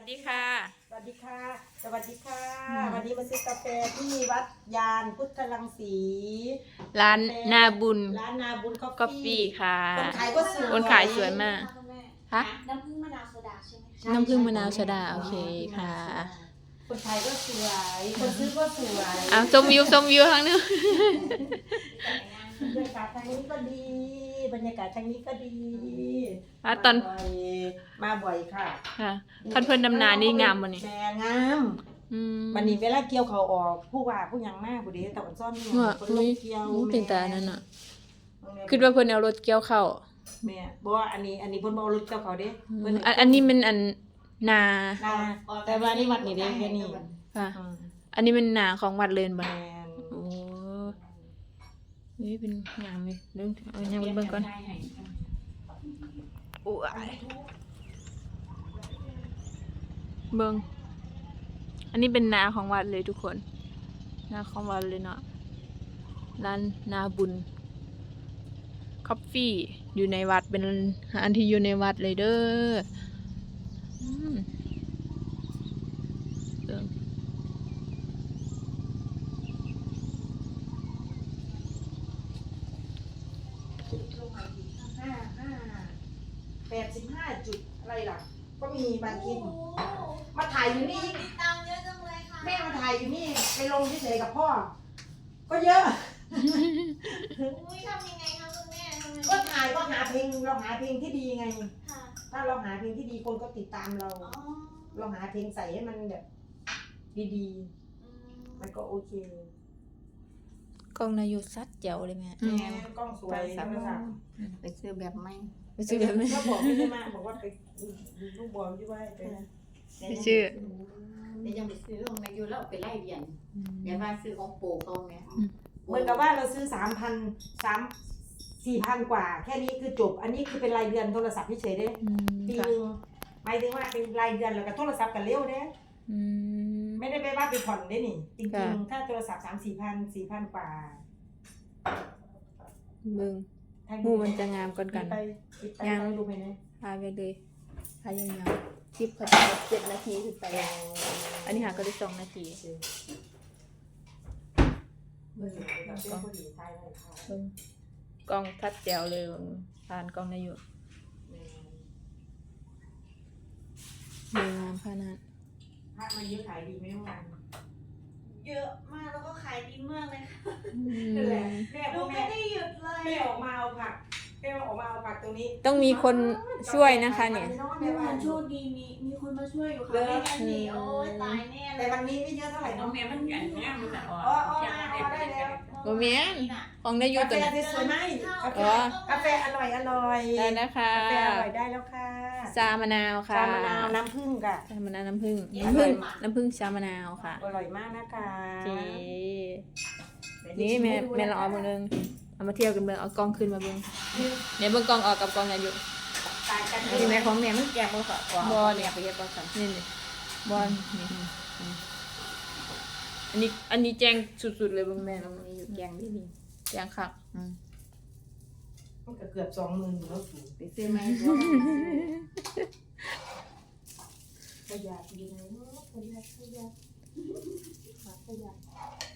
สดีค่ะสวัสดีค่ะสวัสดีค่ะวันนี้มาซื้อกาแฟที่วัดยานพุทธรังสีร้านนาบุญร้านนาบุญกาแฟ Coffee ค่ะคนขายก็สวยคนขายสวยมากฮะน้ำผึ้งมะนาวโซดาใช่ไหมคะน้ำผึ้งมะนาวโซดาโอเคค่ะคนขายก็สวย คนซื้อก็สวยเอาชมวิวทางนึงบรรยากาศทางนี้ก็ดี บรรยากาศทางนี้ก็ดีตอนมาบ่อยค่ะค่ะท่านเพิ่นดำนานี่งามบ่นี่แม่งาม วันนี้เวลาเกี่ยวเขาออกผู้ว่าผู้ยังมากผู้เดีแต่วันซ่อนนี่ว่าคนลงเกี่ยวเป็นตานั่นน่ะคิดว่าเพิ่นเอารถเกี่ยวเข้าแม่บ่ว่าอันนี้เพิ่นบ่เอารถเกี่ยวเขาเด้เพิ่นอันนี้มันนานาแต่ว่านี่วัดนี่เด้แค่นี้ค่ะ อันนี้มันนาของวัดเลินบ่แม่นโอ้นี่เป็นงามเลยเรื่องเอายังเบิ่งก่อนโอ้ยเบิ่งอันนี้เป็นนาของวัดเลยทุกคนนาของวัดเลยเนาะร้านนาบุญคอฟฟี่อยู่ในวัดเป็นอันที่อยู่ในวัดเลยเด้อเบิ่ง 85จุดอะไรล่ะ ก็มีบางคลิปมาถ่ายอยู่นี่ติดตามเยอะจังเลยค่ะแม่มาถ่ายอยู่นี่ไปลงเฉยๆกับพ่อ ก็เยอะอุ้ยทำยังไงคะคุณแม่ทำไงก็ถ่ายก็หาเพลงเราหาเพลงที่ดีไงค่ะถ้าเราหาเพลงที่ดีคนก็ติดตามเราอ๋อเราหาเพลงใส่ให้มันแบบ ดีอืมๆ มันก็โอเคกล้องนายุซัดเจ๋วเลยแม่แม่กล้องสวยโทรศัพท์ไปซื้อแบบไม่ไปซื้อแบบนี้ก็บอกไม่ได้มาบอกว่าไปดูลูกบอลที่ว่าไปไปชื่อนี่ยังไปซื้อของนายอยู่แล้วเอาไปไล่เรียนอย่าว่าซื้อของปู่เขาไงเหมือนกับว่าเราซื้อ4,000 กว่า แค่นี้คือจบ อันนี้คือเป็นรายเดือนโทรศัพท์เฉยๆเด้ ปีหนึ่งหมายถึงว่าเป็นรายเดือนแล้วก็โทรศัพท์กันเร็วเด้ ไม่ได้ไปว่าไปผ่อนได้นี่ จริงๆ ถ้าโทรศัพท์4,000 กว่ามึงทางหมูมันจะงามก่อนกันไปดูไปนะพาไปเลยพายาวๆคลิปเขาจะ7 นาทีขึ้นไป อันนี้หาก็ได้2 นาทีเราเป็นผู้หญิงไทยเลยค่ะเบิ่งกล้องทัดแจ๋วเลยผ่านกล้องนายุเบิ่งงามขนาดพระมาเยอะขายดีไหมเมื่อวานเยอะมากแล้วก็ขายดีมากเลยค่ะนั่นแหละแม่หนูไม่ได้หยุดเลยแม่ออกมาเอาผักแม่ออกมาเอาผักตรงนี้ต้องมีคนช่วยนะคะเนี่ยเมื่อวานโชคดีมีคนมาช่วยอยู่ค่ะไม่งั้นนี่โอ้ยตายแน่เลแต่ยวันนี้ไม่เยอะเท่าไหร่น้อเนาะงแม่มันอันนี้มันจะออกอ๋อได้แล้วบ่แม่นของนายุกาแฟตัวนั้นสวยไหมอ๋อกาแฟอร่อยได้นะคะกาแฟอร่อยได้แล้วค่ะชามะนาวค่ะชามะนาวน้ำผึ้งค่ะชามะนาวน้ำผึ้งชามะนาวค่ะอร่อยมากนะคะโอเคนี่แม่ลองเอาเบิ่งนึงเอามาเที่ยวกันเบิ่งเอากล้องขึ้นมาเบิ่งเนี่ยเบิ่งกล้องออกกับกล้องนายุต่างกันที่แม่ของแม่มันแกงบ่ค่ะกว่าบ่เนี่ยไปเฮ็ดบ่ซั่นนี่บอลนี่อันนี้แจ้งสุดๆเลยเบิ่งแม่ลองนี่อยู่แจ้งดีแจ้งคักมันก็เกือบ20,000อยู่แล้วสูงไปซื้อไหมบ่ขยะอยู่ไหนเนาะขยะ